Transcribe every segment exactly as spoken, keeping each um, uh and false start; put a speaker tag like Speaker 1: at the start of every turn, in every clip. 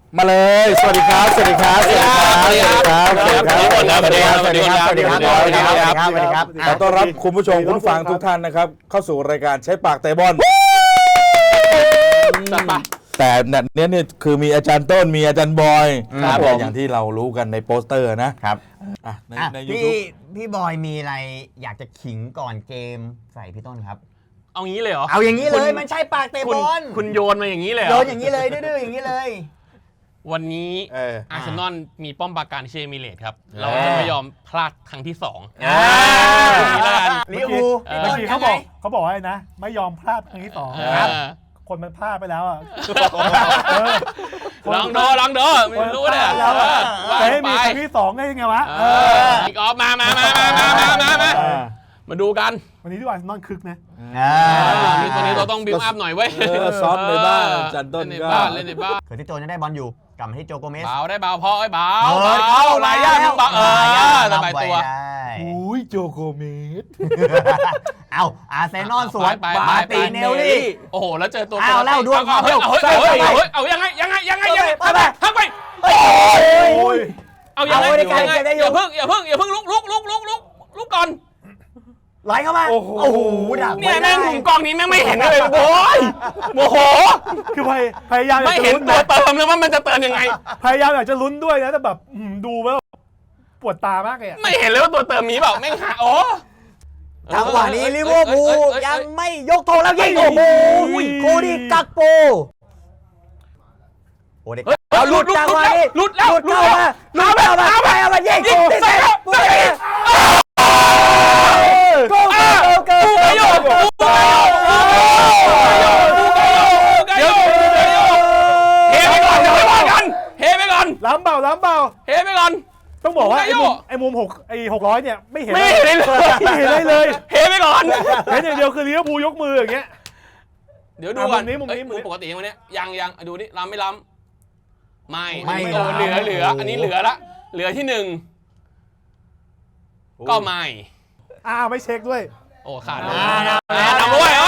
Speaker 1: มาเลยสวัสดีครับสวัสดีครับสวัสดีครับสวัสดีครับสวัสดีครับสวัสดีครับสวัสดีครับสวัสดีครับสวัสดีครับขอต้อนรับคุณผู้ชมคุณฟังทุกท่านนะครับเข้าสู่รายการใช้ปากเตะบอลแต่เนี่ยเนี่ยคือมีอาจารย์ต้นมีอาจารย์บอยอย่างที่เรารู้กันในโปสเตอร์นะครับ
Speaker 2: ในในยูทูบพี่บอยมีอะไรอยากจะขิงก่อนเกมใส่พี่ต้นครับ
Speaker 3: เอางี้เลยเหรอ
Speaker 2: เอาอย่างนี้เลยมันใช่ปากเตะบอล
Speaker 3: คุณโยนมาอย่างนี้เลย
Speaker 2: โยนอย่างนี้เลยดื้อๆอย่างนี้เลย
Speaker 3: วันนี้อาร์เซนอลมีป้อมปราการเชมิเลตครับเราจะไม่ยอมพลาดครั้งที่สอง
Speaker 2: ลิเวอร์พูล
Speaker 4: เมื่อกี้เขาบอกเขาบอกว่านะไม่ยอมพลาดครั้งที่สองคนมันพลาดไปแล้วอ่ะ
Speaker 3: ลองดูลองดูไม่รู้เลย
Speaker 4: จะให้มีครั้งที่สองได้ยังไงวะ
Speaker 3: อีกออฟมามามามามามามามามาดูกัน
Speaker 4: วันนี้ที่วันนอนคึกนะ
Speaker 3: นี่ตัวนี้เราต้องบิวอัพหน่อยเว้ย
Speaker 1: ซ้อมในบ้านจันต้น
Speaker 3: ในบ้านเล่นในบ้าน
Speaker 2: เกิดที่โจจะได้บอลอยู่กลับมาที่โจโกเมส
Speaker 3: เบาได้เบาพอไอ้เบาเข้าลายย่าเบาเออสบายตัว
Speaker 1: อุ้ยโจโกเมส
Speaker 2: เอาอาร์เซนอลสวนมาตีเนลลี่
Speaker 3: โอ้โหแล้วเจอตัว
Speaker 2: เอาแล้วดวง
Speaker 3: เอาเอายังไงยังไงยังไงยังไงทักไปทักไปเอายังไงอย่าเพิ่งอย่าเพิ่งอย่าเพิ่งลุกลุกลุกลุกลุกลุกก่อน
Speaker 2: ไหลเข้ามาโอ้โหดัก
Speaker 3: เนี่ยแม่งมุมกล้องนี้แม่งไม่เห็นเลยโอ้ยโมโห
Speaker 4: คือพยายาม
Speaker 3: ไม่เห็นตัวเติมเลยว่ามันจะเติมยังไง
Speaker 4: พยายามอยากจะลุ้นด้วยนะแต่แบบดูแล้วปวดตามากเลย
Speaker 3: ไม่เห็นเลยว่าตัวเติมมีเปล่าแม่งหาโอ้
Speaker 2: จังหวะนี้ลิเวอร์พูลยังไม่ยกธงแล้วยิงโอ้โหโคดี้กักโปโอ้เด็กเอาหลุดจังหวะนี้
Speaker 3: หลุดแล้ว
Speaker 2: หลุดเข้ามาหลุดเข้ามาไปเอามายิงโอ้ยโกโก้โกโก้โกโก้โกโก้
Speaker 3: เฮไปก่อนเดี๋ยวไปก่อนเฮไปก่อน
Speaker 4: ล้ำเบาล้ำเบา
Speaker 3: เฮไปก่อน
Speaker 4: ต้องบอกว่าไอ้มุมไอ้มุมหกไอ้หกร้อยเนี่ยไม่เห็น
Speaker 3: ไม่เห็นเลย
Speaker 4: ไม่เห็นเลยเลย
Speaker 3: เฮไปก่อน
Speaker 4: เห็นอย่างเดียวคือลิเวอร์พูลยกมืออย่างเงี้ย
Speaker 3: เดี๋ยวดูก่อนนี้มุมนี้มุมปกติวันนี้ยังยังดูนี่ล้ำไม่ล้ำไม่ไม่เหลือเหลืออันนี้เหลือละเหลือที่หนึ่งก็ไม่
Speaker 4: อ้าไม่เช็คด้วย
Speaker 3: โอ้ขาดเลยนำด้วย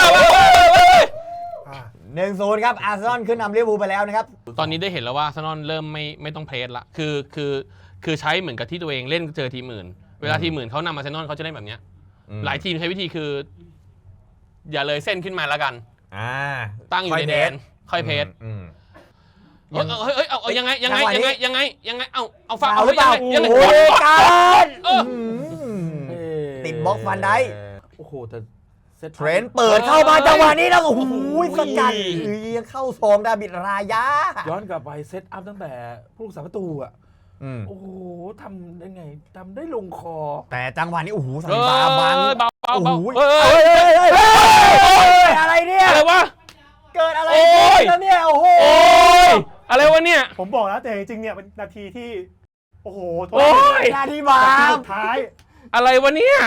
Speaker 2: หนึ่งศูนย์ครับอาร์เซนอลขึ้นนำลิเวอร์พูลไปแล้วนะครับ
Speaker 3: ตอนนี้ได้เห็นแล้วว่าอาร์เซนอลเริ่มไม่ไม่ต้องเพรสละคือคือคือใช้เหมือนกับที่ตัวเองเล่นเจอทีมอื่นเวลาทีมอื่นเขานำอาร์เซนอลเขาจะเล่นแบบนี้หลายทีมใช้วิธีคืออย่าเลยเส้นขึ้นมาแล้วกันตั้งอยู่ในแดนค่อยเพรสเฮ้ยเฮ้ยเอายังไงยังไงยังไงยังไงยังไงเอาเอาฟาว
Speaker 2: หรือเปล่า
Speaker 3: ยังไง
Speaker 2: การติดบล็อกฟันได้
Speaker 1: โอ้โหแต่
Speaker 2: เทรนเปิดเข้ามาจังหวะนี้แล้วโอ้โหสกัดยังเข้าซองดาบิดรายา
Speaker 1: ย้อนกลับไปเซตอัพตั้งแต่ผู้รักษาประตูอ่ะโอ้โหทำได้ไงทำได้ลงคอ
Speaker 2: แต่จังหวะนี้โอ้โหสันบาบัง
Speaker 3: โอ้โห
Speaker 2: อะไรเนี่ย
Speaker 3: อะไรวะ
Speaker 2: เกิดอะไรขึ้นแล้วเนี่ยโอ้โห
Speaker 3: อะไรวะเนี่ย
Speaker 4: ผมบอกแล้วแต่จริงๆเนี่ยเป็นนาทีที่โอ้โห
Speaker 2: นาทีบา
Speaker 4: สุดท้าย
Speaker 3: อะไรวะเนี่ย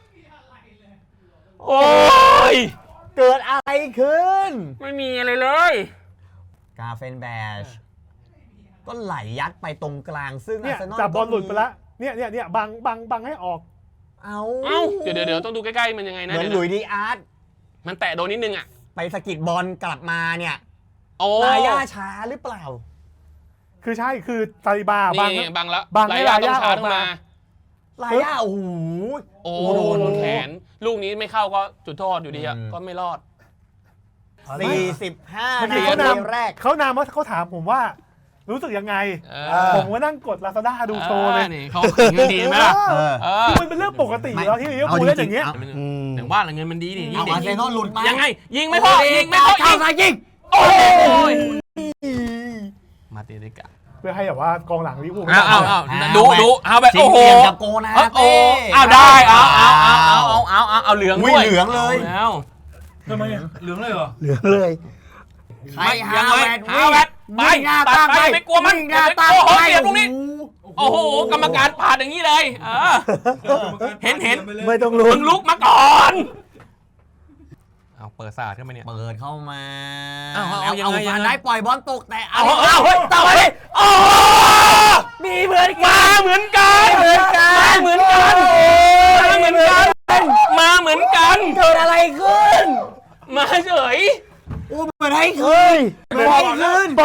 Speaker 3: โอ้ย
Speaker 2: เกิดอะไรขึ้น
Speaker 3: ไม่มีอะไรเลย
Speaker 2: กาเฟนแบชก็ไหลยัดไปตรงกลางซึ่ง
Speaker 4: เนี่ยจับบอลหลุดไปแล้วเนี่ยเนี่ยเนี่ยบังบังบังให้ออก
Speaker 2: เอา
Speaker 3: เอ้าเดี๋ยวเดี๋ยวต้องดูใกล้ๆมันยังไงนะ
Speaker 2: เหมือนหลุยส์ดีอาร์ต
Speaker 3: มันแตะโดนนิดนึงอ่ะ
Speaker 2: ไปสะกิดบอลกลับมาเนี่ยลาย่าช้าหรือเปล่า
Speaker 4: คือใช่คือซาลิบาบัง
Speaker 3: บังแล้ว
Speaker 4: บังให้ลาย่าออกมา
Speaker 2: ลาย่าโอ้โห
Speaker 3: โอ้โดนแขนลูกนี้ไม่เข้าก็จุดโทษอยู่ดีอ่ะก็ไม่รอด
Speaker 2: สี่สิบห้านาทีแรก
Speaker 4: เขานามว่าเขาถามผมว่ารู้สึกยังไงผมก็นั่งกด Lazada ดูโชว์เลย
Speaker 3: นี่เขาเงินดีไหมล่ะ
Speaker 4: คือมันเป็นเรื่องปกติแล้วที่ลิเวอร์พูลเล่นอย่างเงี้ย
Speaker 3: อย่างว่าเงินมันดีนี่
Speaker 2: ยิงอาร์เซนอลหลุดมา
Speaker 3: ยังไงยิงไม่พอยิงไม่พอยิง
Speaker 2: ยิง
Speaker 3: โอ้ยมาเตะได้กะ
Speaker 4: เพื่อให้แบบว่ากองหลังลิเวอร์พูล
Speaker 3: เอาเอาดูดูเอาแบบโอ้โห
Speaker 2: กับโกนะ
Speaker 3: โอ้เอาได้เอาเอาเอาเอาเอาเอาเอาเหลืองด้วย
Speaker 2: เหลืองเลย
Speaker 3: แล้ว
Speaker 1: ทำไมเหลืองเลยเหรอ
Speaker 4: เหลืองเลย
Speaker 2: ใครหาแวด
Speaker 3: หาแวดไปตัดไปไม่กลัวมันโอ้โหเสียบตรงนี้โอ้โหกรรมการผ่านอย่างนี้เลยเห็นเห็น
Speaker 4: ไม่ต้องลุก
Speaker 3: มึงลุกมาก่อนเอาเปิดศาสตร์ขึ้นมาเนี่ย
Speaker 2: เปิดเข้ามา
Speaker 3: เอาเอายังไงยังไง
Speaker 2: ได้ปล่อยบอลตกแต่
Speaker 3: เอาเอาต่อไปโอ้
Speaker 2: มีเหมือนกั
Speaker 3: นเหมือนกันเหมือนกันเหมือนกันเหมือนกันมาเหมือนกัน
Speaker 2: เกิดอะไรขึ้น
Speaker 3: มาเฉย
Speaker 2: โอ้เหมือนให้ขึ้นเหมือนให้ขึ้น
Speaker 3: แตก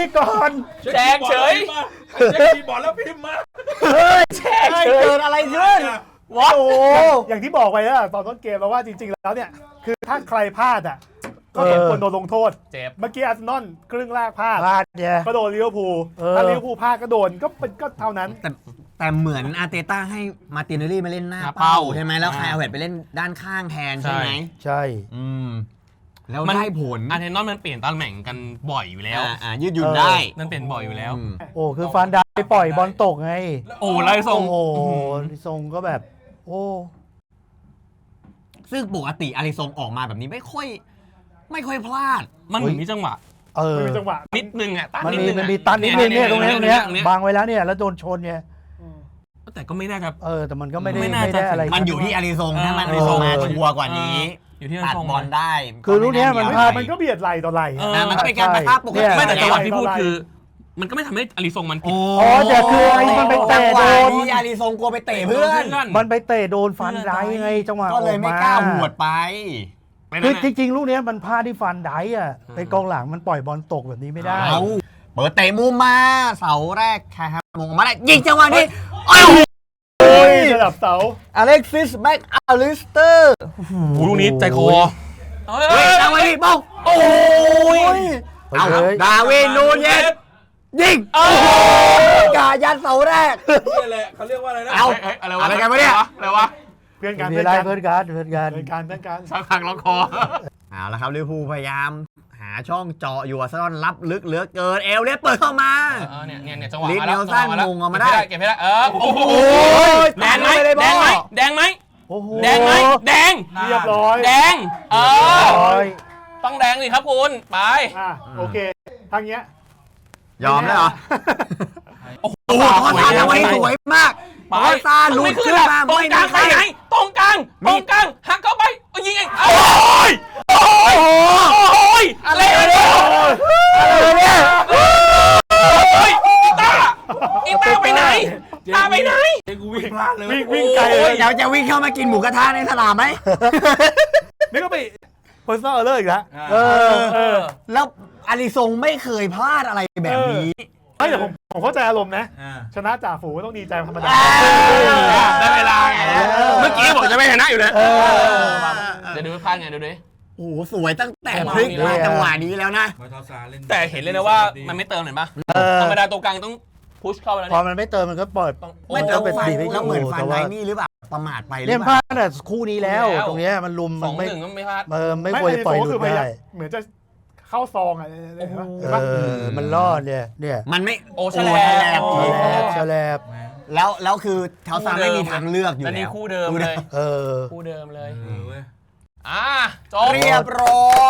Speaker 4: ก่อน
Speaker 3: แจกเฉย
Speaker 1: แจกคีย์บอร์ดแล้วพิมพ์มา
Speaker 2: แช่เกิดอะไรขึ้นว้าว
Speaker 4: อย่างที่บอกไปแล้วตอนต้นเกมแล้วว่าจริงๆแล้วเนี่ยคือถ้าใครพลาดอ่ะก็สมควรโดนลงโทษ
Speaker 3: เจ็บ
Speaker 4: เมื่อกี้อาร์เซนอลครึ่งแรกพลาด
Speaker 2: พลาดเนี่ย
Speaker 4: ก็โดนลิเวอร์พูล
Speaker 2: เออ
Speaker 4: ถ้าลิเวอร์พูลพลาดก็โดนก็เป็นก็เท่านั้น
Speaker 2: แต่แต่เหมือนอาร์เตต้าให้มาร์ตินเนลลี่มาเล่นหน้า
Speaker 3: หน้าเป้า
Speaker 2: เป้าใช่ไหมแล้วคายเอาเวตไปเล่นด้านข้างแทนใช่ไหม
Speaker 5: ใช่
Speaker 2: อืมแล้ว
Speaker 3: มัน
Speaker 2: ได้ผล
Speaker 3: อาร์เทนอลมันเปลี่ยนตำแหน่งกันบ่อยอยู่แล้ว
Speaker 2: อ่าอ่ายืดหยุ่นได้
Speaker 3: นั่นเปลี่ยนบ่อยอยู่แล้ว
Speaker 2: อืม
Speaker 5: โอ้คือฟันได้ปล่อยบอลตกไง
Speaker 3: โอ้ไล่ทรง
Speaker 5: โอ้โหทรงก็แบบ โอ้
Speaker 2: ซึ่งปกติอาริซงออกมาแบบนี้ไม่ค่อย ไม่ค่อยพลาด
Speaker 3: มันเหมือนมีจังหวะ
Speaker 5: เออ
Speaker 4: ไม่มีจังหวะ
Speaker 3: นิดนึงอ่ะตัน
Speaker 5: มัน
Speaker 3: นิด
Speaker 5: มี
Speaker 3: นึง
Speaker 5: มัน
Speaker 3: อะ
Speaker 5: มีตันนิดนึงเนี่ยตรงเนี้ยตรงเนี้ย
Speaker 3: เนี้ย
Speaker 5: บังไว้แล้วเนี่ยแล้วโดนชนไง
Speaker 3: แต่ก็ไม่น่าจะ
Speaker 5: เออแต่มันก็ไม่ได้
Speaker 3: ไม่น่าจะ
Speaker 5: ไม่ได้อะไร
Speaker 2: มันอยู่ที่อาริซง
Speaker 3: เออ
Speaker 2: ถ้ามันอาริซงมาชัวร์กว่านี้
Speaker 3: อยู่ที่
Speaker 2: ตัด
Speaker 3: ทรง
Speaker 2: บอลได้
Speaker 5: คือลูกเนี้ยมันพลาด
Speaker 4: มันก็เบียดไหลต่อไหล
Speaker 3: เออ
Speaker 2: อ่ามันก็เป็นการปะทะปก
Speaker 5: เนี่
Speaker 2: ติ
Speaker 5: ย
Speaker 3: ไม่แต่จังหวะ
Speaker 4: ไม่
Speaker 3: ที่พูด
Speaker 4: ไม่
Speaker 3: คือ มันก็ไม่ทำให้อาริซงมันผิด
Speaker 5: อ๋อแต่คือไอ้มันไป
Speaker 2: จั
Speaker 5: เตะ
Speaker 2: งห
Speaker 5: โด
Speaker 2: วะ
Speaker 5: น
Speaker 2: นี้อาริซงกลัวไปเตะเพื่อน
Speaker 5: มันไปเตะโดนฟันได้ไงจังหวะ
Speaker 2: ก็เลยไม่กล้าหวดไป
Speaker 5: คือจริงๆ ลูกเนี้ยมันพลาดที่ฟันได้อ่ะเป็นกองหลังมันปล่อยบอลตกแบบนี้ไม่ได้
Speaker 2: เอาเปิดเตะมุมมาเสาแรกใครครับมงออกมาได้ยิงจังหวะนี้โอ้ย
Speaker 4: ระดับเสา
Speaker 2: อเล็กซิสแม็กอาลิสเตอร์
Speaker 3: ลูกนี้ใจคอ
Speaker 2: เฮ้ยจังหวะนี้บ้องโอ้ยเอา
Speaker 5: เฮ้ย
Speaker 2: ดาวินนูเยสยิงกายันเสาแรก
Speaker 1: นี่แหละเขาเรียกว่าอะไรนะ
Speaker 2: เอา
Speaker 3: เอ้ยอะไรวะ
Speaker 2: อะไรกันวะเนี่ย
Speaker 3: อะไรวะ
Speaker 4: เพื่อนกัน
Speaker 5: มี
Speaker 4: เพื่อน
Speaker 5: อะไร
Speaker 4: กัน
Speaker 5: เพื่อนกันเพื่อนกัน
Speaker 4: เพื่อนกันเพื่อนกัน
Speaker 3: สักพักล็อกคอ
Speaker 2: เอาละครับลิเวอร์พูลพยายามหาช่องเจาะอยู่อาร์เซนอลรับลึกเหลือเกินเอลเลียสเปิดเข้ามา
Speaker 3: เออเนี่ยเนี่ยเนี่ยจังหวะ
Speaker 2: ลิส
Speaker 3: มาแล้ว
Speaker 2: เนลสัน
Speaker 3: จังหวะแล้ว
Speaker 2: มงออกมาได้
Speaker 3: เก็บให้ได้เออโอ้โห
Speaker 2: ย
Speaker 3: แดงไหม
Speaker 2: ไม่ได้บ
Speaker 3: แด
Speaker 2: อง
Speaker 3: ไหม
Speaker 2: ล
Speaker 3: แดงไหม
Speaker 5: โอ้โห
Speaker 3: แดงไหมแดง
Speaker 4: เรียบร้อย
Speaker 3: แดงเออ
Speaker 5: โอ้ย
Speaker 3: ต้องแดงสิครับคุณไป
Speaker 4: อ่ะโอเคทางเนี้ย
Speaker 2: ยอมแล้วเหรอ
Speaker 3: โอ้โห
Speaker 2: โอ้โหทอซานทำไว้สวยมาก
Speaker 3: ไป
Speaker 2: ทอซานลุกขึ้นมา
Speaker 3: ตรง
Speaker 2: ไม่
Speaker 3: ก
Speaker 2: มี
Speaker 3: ลาง
Speaker 2: ใค
Speaker 3: ไป
Speaker 2: ร
Speaker 3: ไหนตรงกลางตรงกลางหักเข้าไปเอายิงเองโอ้ยโอ้ยโอ้ยอะไรเนี่ย
Speaker 5: อะไรเนี่ย
Speaker 3: โอ้ยอีตาอีตาไปไหนตาไปไหน
Speaker 1: เจ๊กูวิ่งพลาดเลย
Speaker 4: วิ่งวิ่งไกลเล
Speaker 2: เฮ้ย
Speaker 4: ย
Speaker 2: เดี๋ยวจะวิ่งเข้ามากินหมูกระทะในสนามไหม
Speaker 4: นี่ก็ไป personal error อีกแล้ว
Speaker 5: เออ
Speaker 4: เออ
Speaker 2: แล้วอาริซงไม่เคยพลาดอะไรแบบนี้
Speaker 4: ไม่แต่ผมผมเข้าใจอารมณ์นะ
Speaker 1: อ่า
Speaker 4: ชนะจ่าฝูงก็ต้องดีใจธรรมดา
Speaker 3: ได้เวลาไง
Speaker 2: เออ
Speaker 3: เมื่อกี้บอกจะไม่ชนะอยู่เลย
Speaker 5: เออ
Speaker 3: เดี๋ยวดูพลาดไงดูดิ
Speaker 2: โอ้โหสวยตั้งแต่พลิกมาจังหวะนี้แล้วนะ
Speaker 1: มาทอซาเล่น
Speaker 3: แต่เห็นเลยนะว่ามันไม่เติมเห็นปะ
Speaker 5: เออ
Speaker 3: ธรรมดาตัวกลางต้องพุชเข้าไปแล้ว
Speaker 5: พอ
Speaker 3: เนี่ย
Speaker 5: มันไม่เติมมันก็ปล่อย
Speaker 3: ต้อง
Speaker 2: ไม่
Speaker 3: โอ้
Speaker 2: แต่
Speaker 3: โห
Speaker 2: ฟัน
Speaker 5: บีบให้
Speaker 2: แล้วเหมือน
Speaker 5: อยู่
Speaker 2: ฟัน
Speaker 5: แต่
Speaker 2: ไน
Speaker 5: ว่า
Speaker 2: นี่หรือเปล่าประมาทไปหรื
Speaker 5: เล่
Speaker 2: อน เป
Speaker 5: พลา
Speaker 2: ล่า
Speaker 5: ดแต่คู่นี้แล้ว ตรงเนี้ยมันลุม
Speaker 3: ส
Speaker 5: มั
Speaker 3: อน ง
Speaker 5: ไม่
Speaker 3: หนึ่งก็ไม่พลาด
Speaker 5: เออไม่ควรปล่อยหลุ
Speaker 4: คื
Speaker 5: ด
Speaker 4: พยา
Speaker 5: ได้
Speaker 4: ยามเหมือนจะเข้าซองอ่ะเห็นปะเห็น
Speaker 5: เอ
Speaker 4: ปะ
Speaker 5: อมันรอดเนี่ยเนี่ย
Speaker 2: มันไม่
Speaker 3: โอ้แฉลบ
Speaker 2: โอ้
Speaker 3: โอ้
Speaker 5: แฉลบแฉลบ
Speaker 2: แล้วแล้วคือเท้าซานไม่มีทางเลือกอยู่
Speaker 3: แล้ว
Speaker 2: แล้
Speaker 3: นี่
Speaker 2: ว
Speaker 3: คู่เดิมเลย
Speaker 5: เออ
Speaker 3: คู่เดิมเลย
Speaker 1: เออเว้ย
Speaker 3: อ่าจบ
Speaker 2: เรียบร้อย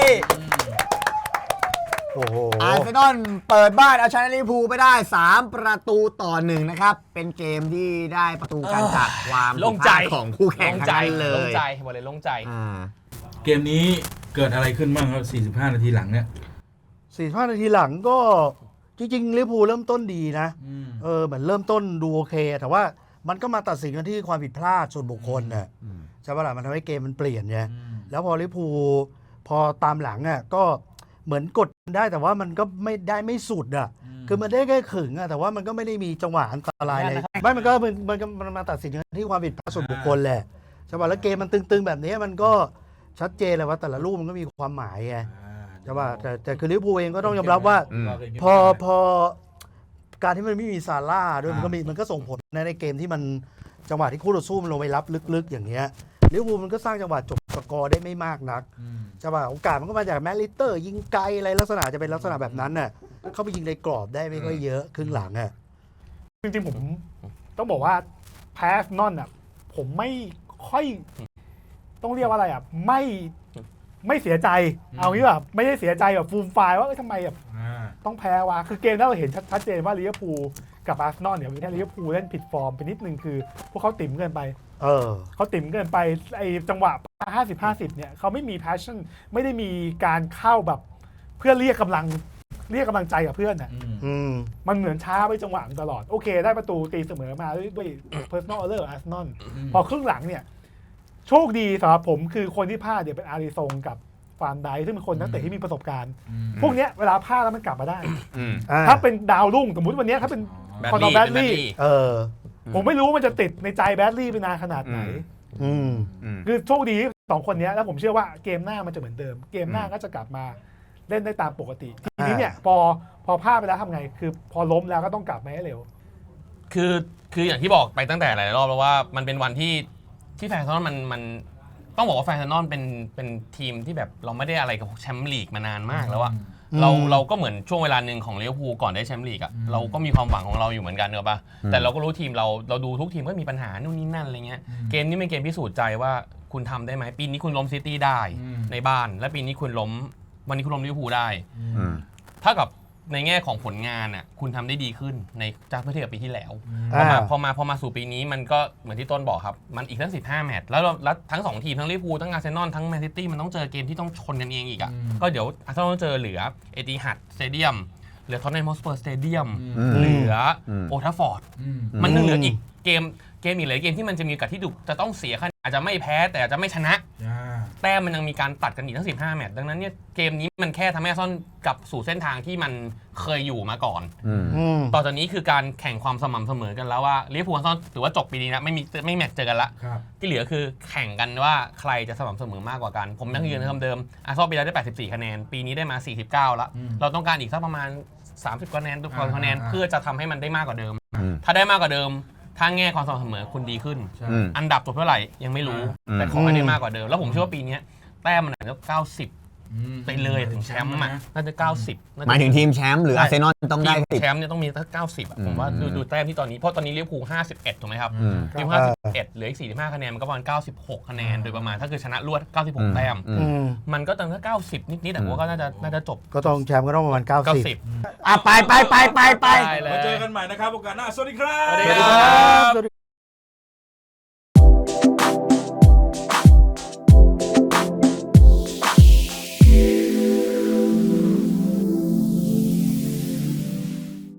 Speaker 5: โอ้โห
Speaker 2: อาร์เซนอลเปิดบ้านเอาชนะลิเวอร์พูลไปได้สามประตูต่อหนึ่งนะครับ เป็นเกมที่ได้ประตูกันจากความ
Speaker 3: โล่งใจ
Speaker 2: ผิดพลาดของคู่แข่ง
Speaker 3: โล่ง
Speaker 2: ทั้ง
Speaker 3: ใจ
Speaker 2: นั้นเล
Speaker 3: โล่ง
Speaker 2: ย
Speaker 3: ใจบอกเลยโล่งใจ
Speaker 2: อ่า
Speaker 1: เกมนี้เกิดอะไรขึ้นบ้างครับสี่สิบห้านาทีหลังเนี่ย
Speaker 5: สี่ห้านาทีหลังก็จริงๆลิเวอร์พูลเริ่มต้นดีนะ
Speaker 1: อืม
Speaker 5: เออเหมือนเริ่มต้นดูโอเค แต่ว่ามันก็มาตัดสินกันที่ความผิดพลาดส่วนบุคคลน่ะใช่ป่ะล่ะมันทำให้เกมมันเปลี่ยนไง
Speaker 1: อืม
Speaker 5: แล้วพอลิเวอร์พูลพอตามหลังอ่ะก็เหมือนกดได้แต่ว่ามันก็ไม่ได้ไม่สุดอ่ะคือมันได้แค่ขึงอ่ะแต่ว่ามันก็ไม่ได้มีจังหวะอันตรายเลยไม่มันก็มันมันก็มันมาตัดสินกันที่ความผิดพลาดส่วนบุคคลแหละใช่ป่ะแล้วเกมมันตึงๆแบบนี้มันก็ชัดเจนเลยว่าแต่ละลูกมันก็มีความหมายไง
Speaker 1: อ่า
Speaker 5: ใช่ป่ะแต่แต่คือลิเวอร์พูลเองก็ต้องยอมรับว่า
Speaker 2: อืม
Speaker 5: พอพอการที่มันไม่มีซาร่าด้วยมันก็มีมันก็ส่งผลในในเกมที่มันจังหวะที่คู่ต่อสู้มันลงไปรับลึกๆ อย่างเงี้ยลิเวอร์พูลมันก็สร้างจังหวะจบสกอร์ได้ไม่มากนัก
Speaker 1: อืม
Speaker 5: ใช่ป่ะโอกาสมันก็มาจากแมตลิเตอร์ ยิงไกลอะไรลักษณะจะเป็นลักษณะแบบนั้นน่ะเข้าไปยิงในกรอบได้ไม่ค่อยเยอะครึ่งหลังอ่ะ
Speaker 4: จริงๆผมต้องบอกว่าแพ้นอนอ่ะผมไม่ค่อย ต้องเรียกว่าอะไรอ่ะไม่ไม่เสียใจ เอางี้แบบไม่ได้เสียใจแบบฟูมไฟายว่าเอ้ยทำไมแบบ
Speaker 1: อ่า
Speaker 4: ต้องแพ้วะคือเกมนั้นเราเห็นชัดเจนว่าลิเวอร์พูลกับอาร์เซนอลเนี่ยมีแค่ลิเวอร์พูลเล่นผิดฟอร์มไปนิดนึงคือ พวกเขาติ่มเกินไป
Speaker 5: เออ
Speaker 4: เขาติ่มเกินไปไอจังหวะห้าสิบ ห้าสิบเนี่ยเขาไม่มี passion ไม่ได้มีการเข้าแบบเพื่อเรียกกำลังเรียกกำลังใจกับเพื่อนน่ะ
Speaker 1: อืม
Speaker 5: อืม
Speaker 4: มันเหมือนช้าไปจังหวะตลอด โอเค ได้ประตูตีเสมอมาด้วยด้วย personal error อาร์เซนอลพอครึ่งหลังเนี่ย โชคดีสำหรับผมคือคนที่พลาดเนี่ยเป็นอาริซงกับฟานไดซึ่งเป็นคนนักเตะที่มีประสบการณ์ พวกเนี้ยเวลาพลาดแล้วมันกลับมาได้
Speaker 3: อืม
Speaker 5: อ่า
Speaker 4: ถ้าเป็นดาวรุ่งสมมติวันเนี้ยถ้าเป็น
Speaker 3: แบด
Speaker 4: คอน
Speaker 3: ลี่
Speaker 4: อร์แบด
Speaker 3: เป็นแบด
Speaker 4: ลี่
Speaker 3: ลี่
Speaker 5: เออ
Speaker 4: ผมไม่รู้ว่ามันจะติดในใจแบดลี่ไปนานขนาดไหน
Speaker 5: อืม
Speaker 3: อืม
Speaker 4: คือโชคดีสองคนเนี้ยแล้วผมเชื่อว่าเกมหน้ามันจะเหมือนเดิม เกมหน้าก็จะกลับมาเล่นได้ตามปกติ ทีนี้เนี่ยพอพอพลาดไปแล้วทำไง คือพอล้มแล้วก็ต้องกลับมาให้เร็ว
Speaker 3: คือคืออย่างที่บอกไปตั้งแต่หลายรอบแล้วว่ามันเป็นวันที่ที่แฟนซอนมันมันต้องบอกว่าแฟนซอนเป็นเป็นทีมที่แบบเราไม่ได้อะไรกับแชมป์ลีกมานานมากแล้วอะเรา
Speaker 5: อืม
Speaker 3: เราก็เหมือนช่วงเวลาหนึ่งของลิเวอร์พูลก่อนได้แชมป์ลีกอะเราก็มีความหวังของเราอยู่เหมือนกันเนอะปะแต่เราก็รู้ทีมเราเราดูทุกทีมก็มีปัญหานู่นนี่นั่นอะไรเงี้ยเกมนี้เป็นเกมพิสูจน์ใจว่าคุณทำได้ไหมปีนี้คุณล้มซิตี้ได้ในบ้าน และปีนี้คุณล้มวันนี้คุณล้มลิเวอร์พูลได้เท่ากับในแง่ของผลงานอ่ะคุณทำได้ดีขึ้นในจากเมื่อเทียบกับปีที่แล้วพอมา
Speaker 5: อ่า
Speaker 3: พอมาพอมาสู่ปีนี้มันก็เหมือนที่ต้นบอกครับ มันอีกตั้งสิบห้าแมตช์แล้วเราแล้วทั้งสองทีมทั้งลิเวอร์พูลทั้งอาร์เซนอลทั้งแมนซิตี้มันต้องเจอเกมที่ต้องชนกันเองอีกอ่ะก็เดี๋ยวอาร์เซนอลต้องเจอเหลือเอติฮัดสเตเดียมเหลือท็อตแนมฮอตสเปอร์สเตเดียมเหลือโอลด์แทัฟฟอร์ดมันยังเหลืออีกเกมเกมอีกหลายเกมที่มันจะมีโอกาสที่ดุจะต้องเสียคะแนนอาจจะไม่แพ้แต่อาจจะไม่ชนะแต้มมันยังมีการตัดกันอีกทั้งสิบห้าแมตช์ดังนั้นเนี่ยเกมนี้มันแค่ทำให้อาร์เซนอลกลับสู่เส้นทางที่มันเคยอยู่มาก่อน
Speaker 5: อืม
Speaker 3: ต่อจากนี้คือการแข่งความสม่ำเสมอกันแล้วว่าลิเวอร์พูลอาร์เซนอลถือว่าจบปีนี้นะไม่มีไม่แมตช์เจอกันละที่เหลือคือแข่งกันว่าใครจะสม่ำเสมอมากกว่ากัน ผมยังยืนคำเดิมอาร์เซนอลปีแล้วได้แปดสิบสี่คะแนนปีนี้ได้มาสี่สิบเก้าแล้วเราต้องการอีกสักประมาณสามสิบคะแนนทุกคนคะแนนเพื่อจะทำให้มันได้มากกว่าเดิม ถ้าได้มากกว่าเดิมถ้าแง่ความสม่ำเสมอคุณดีขึ้น อันดับจบเท่าไหร่ยังไม่รู้ แต่ขอให้ได้มากกว่าเดิม แล้วผมเชื่อว่าปีนี้แต้มมันอาจจะเก้าสิบไปเลยถึงแชมป์อ่ะน่าจะเก้าสิบ
Speaker 2: หมายถึงทีมแชมป์หรืออาร์เซนอลต้องได้
Speaker 3: ทีม
Speaker 2: สิบ
Speaker 3: แชมป์เนี่ยต้องมีสักเก้าสิบอ่ะผมว่าดูดูแต้มที่ตอนนี้เพราะตอนนี้ลิเวอร์พูลห้าสิบเอ็ดถูกไหมครับลิเวอร์พูลห้าสิบเอ็ดเหลืออีกสี่สิบห้าคะแนนมันก็ประมาณเก้าสิบหกคะแนนโดยประมาณถ้าคือชนะรวดเก้าสิบหกแต้ม
Speaker 5: อืม
Speaker 3: มันก็ตั้งแต่เก้าสิบนิดๆแต่ผมว่าก็น่าจะน่าจะจบ
Speaker 5: ก็ต้องแชมป์ก็ต้องประมาณเก้า
Speaker 3: เก้า
Speaker 5: สิบ
Speaker 3: สิบ
Speaker 2: อ่ะไปไปไปไปไป
Speaker 3: ได้เลย
Speaker 1: มาเจอกันใหม่นะครับโอกาสหน้าสวัสดีครับ
Speaker 3: สวัสดีครับ